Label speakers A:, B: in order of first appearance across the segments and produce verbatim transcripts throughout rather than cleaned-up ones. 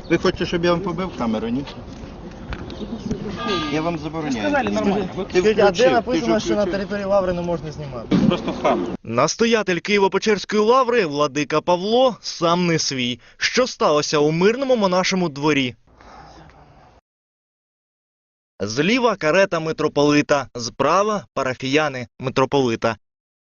A: Ви хочете, щоб я вам побив камеру, ні? Я вам забороняю.
B: Сказали нормально.
A: Ти
C: Скажіть, а де
A: включив,
C: написано,
A: ти
C: що на
A: включив.
C: території Лаври не можна знімати?
B: Просто хам.
D: Настоятель Києво-Печерської лаври, владика Павло, сам не свій. Що сталося у мирному монашому дворі? Зліва карета митрополита, справа парафіяни митрополита.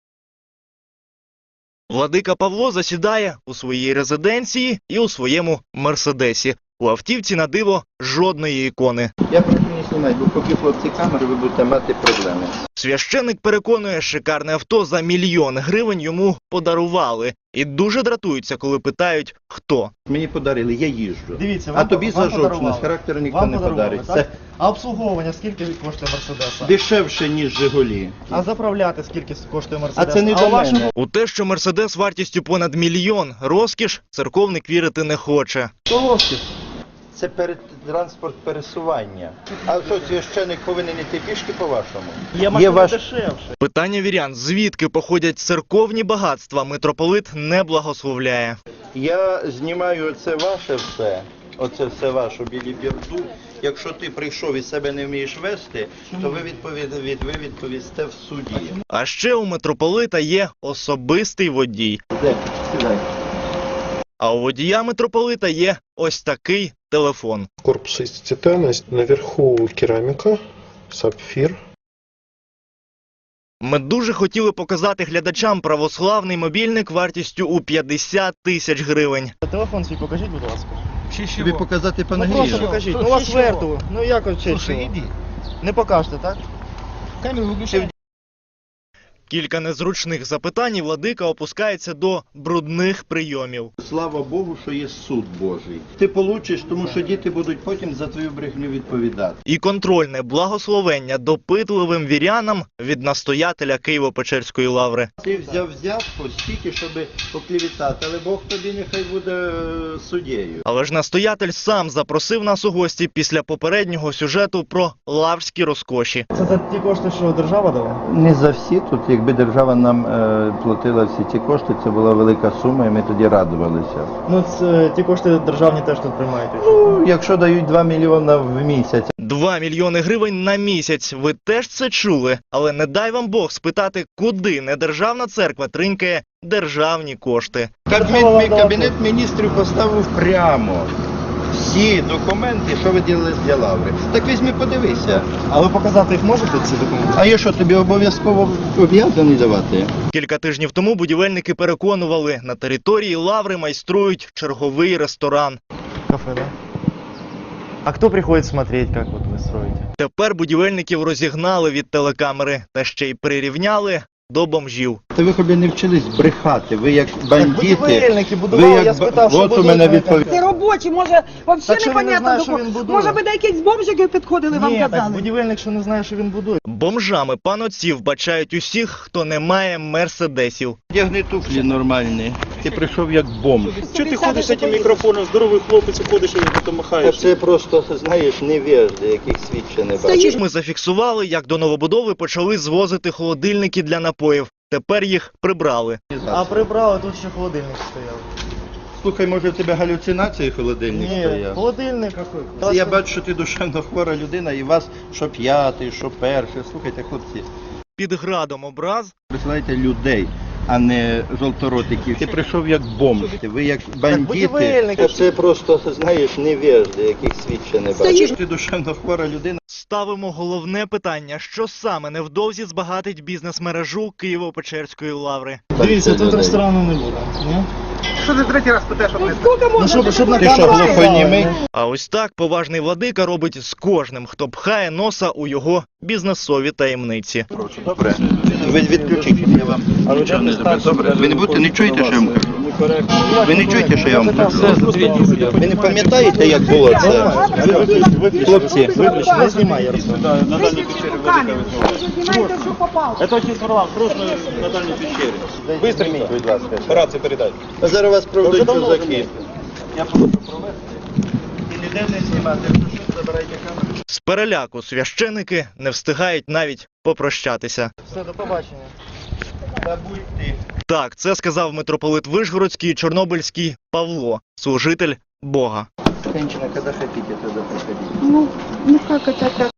D: Владика Павло засідає у своїй резиденції і у своєму мерседесі. У автівці на диво жодної ікони.
A: Я прошу не знімати, бо поки хлопці камери, ви будете мати проблеми.
D: Священик переконує, шикарне авто за мільйон гривень йому подарували. І дуже дратуються, коли питають, хто.
A: Мені подарили, я їжджу.
C: Дивіться,
A: А
C: вам,
A: тобі
C: вам
A: за жовчність
C: подарували.
A: характеру ніхто
C: Вам
A: не
C: подарували,
A: подарить.
C: так?
A: Це
C: А обслуговування скільки коштує Мерседеса?
A: дешевше, ніж Жигулі.
C: А заправляти скільки коштує Мерседес?
A: А це не
C: а
A: до
C: у вашому...
A: мене.
D: У те, що Мерседес вартістю понад мільйон розкіш, церковник вірити не хоче.
C: Що розкіш?
A: Це перед транспорт пересування. А що, священик повинен йти пішки по-вашому?
C: Є машина
A: ваш-
C: дешевше.
D: Питання вірян, звідки походять церковні багатства, митрополит не благословляє.
A: Я знімаю це ваше все, оце все ваше білі бірду. Якщо ти прийшов і себе не вмієш вести, то ви, відповід... від- ви відповісте в суді.
D: А ще у митрополита є особистий водій.
A: Де? Сідай.
D: А у водія митрополита є ось такий телефон.
E: Корпус из титана, наверху керамика, сапфир.
D: Ми дуже хотіли показати глядачам православний мобільник вартістю у п'ятдесят тисяч гривень.
C: Телефон свій покажіть, будь ласка.
A: Тобі показати
C: Ну просто
A: панагію?
C: покажіть. Ну у вас верту. Ну як от чесно? Не покажете, так?
B: Камеру виключай.
D: Кілька незручних запитань і владика опускається до брудних прийомів.
A: Слава Богу, що є суд Божий. Ти получиш, тому що діти будуть потім за твою брехню відповідати.
D: І контрольне благословення допитливим вірянам від настоятеля Києво-Печерської лаври.
A: Ти взяв взятку стільки, щоб поклівітати, але Бог тобі нехай буде е, суддєю.
D: Але ж настоятель сам запросив нас у гості після попереднього сюжету про лаврські розкоші.
C: Це за ті кошти, що держава дала?
A: Не за всі тут, якби держава нам е, платила всі ці кошти, це була велика сума, і ми тоді радувалися.
C: Ну це ті кошти державні теж тут приймають.
A: Ну, якщо дають два мільйони в місяць.
D: Два мільйони гривень на місяць. Ви теж це чули? Але не дай вам Бог спитати, куди недержавна церква тринькає державні кошти.
A: Кабінет, кабінет міністрів поставив прямо всі документи, що ви ділили для лаври. Так візьми, подивися.
C: А ви показати їх можете, ці документи?
A: А я що, тобі обов'язково об'язаний давати?
D: Кілька тижнів тому будівельники переконували, на території лаври майструють черговий ресторан.
C: Кафе, да? А кто приходит смотреть, как вот вы строите?
D: Тепер будівельників розігнали від телекамери та ще й прирівняли до бомжів.
A: Та ви хобі не вчились брехати, ви як бандити.
C: Будівельники
A: Ви
C: будували,
A: як
C: я спитав, що
A: от у
C: будують,
A: мене
C: вони
A: відповідь.
F: Це робочі, може,
C: Так
F: взагалі
C: що він не
F: непонятно
C: знає,
F: до
C: що
F: кого.
C: він будує?
F: Може, ви до якісь бомжики підходили, вам
C: Ні, так
F: казали?
C: будівельник, що не знає, що він будує.
D: Бомжами панотців бачають усіх, хто не має мерседесів.
A: Одягни туфлі нормальні. Ти прийшов як бомж.
B: Чого ти ходиш з цим мікрофоном? Здоровий хлопець, ходиш і потім махаєш.
A: Це просто, знаєш, невежди, яких світ ще не бачив.
D: Ми зафіксували, як до новобудови почали звозити холодильники для напоїв. Тепер їх прибрали.
C: А прибрали, тут ще холодильник стояв.
A: Слухай, може в тебе галюцинації холодильник
C: Ні,
A: стояв?
C: холодильник.
A: Це я бачу, що ти душевно хвора людина, і вас що п'ятий, що перший. Слухайте, хлопці,
D: Під градом образ
A: присилайте людей, а не жовторотиків. Ти прийшов як бомж, ви як бандити.
C: будівельники.
A: Це просто, знаєш, невежди, яких світ ще не бачив. Ти душевно хвора людина.
D: ставимо головне питання, що саме невдовзі збагатить бізнес-мережу Києво-Печерської лаври.
C: Дивіться, тут
A: людей.
C: ресторану не буде. Ні?
B: Що ти третій раз питаєш, що
F: Ну,
B: не
F: скільки можна?
C: Ну, щоб, щоб на
A: Ти що,
C: камеру
A: глухонімий?
C: сказали,
D: А ось так поважний владика робить з кожним, хто пхає носа у його бізнесові таємниці.
A: Добре. Ви відключіть, я вам нічого не зроблю. Добре. Ви не будете, не чуєте, що я вам кажу? Ви не чуєте, що я вам кажу? Ви не пам'ятаєте, як було це? Хлопці,
C: не знімай, Ярослав.
B: на дальній печері велика
F: Знімайте, що попало.
B: Це отець Варлам, срочно на дальній печері. Быстренько,
A: будь ласка.
B: операцію передай.
A: А зараз вас проведуть чужаки. Я прошу провести. І ніде не знімати, якщо що, забирайте камеру.
D: З переляку священики не встигають навіть попрощатися.
C: Все, до побачення.
A: Та будь ти.
D: Так, це сказав митрополит Вишгородський і Чорнобильський Павло, служитель Бога.
A: Женщина, когда хотите, тогда приходите.
F: Ну, ну как это так?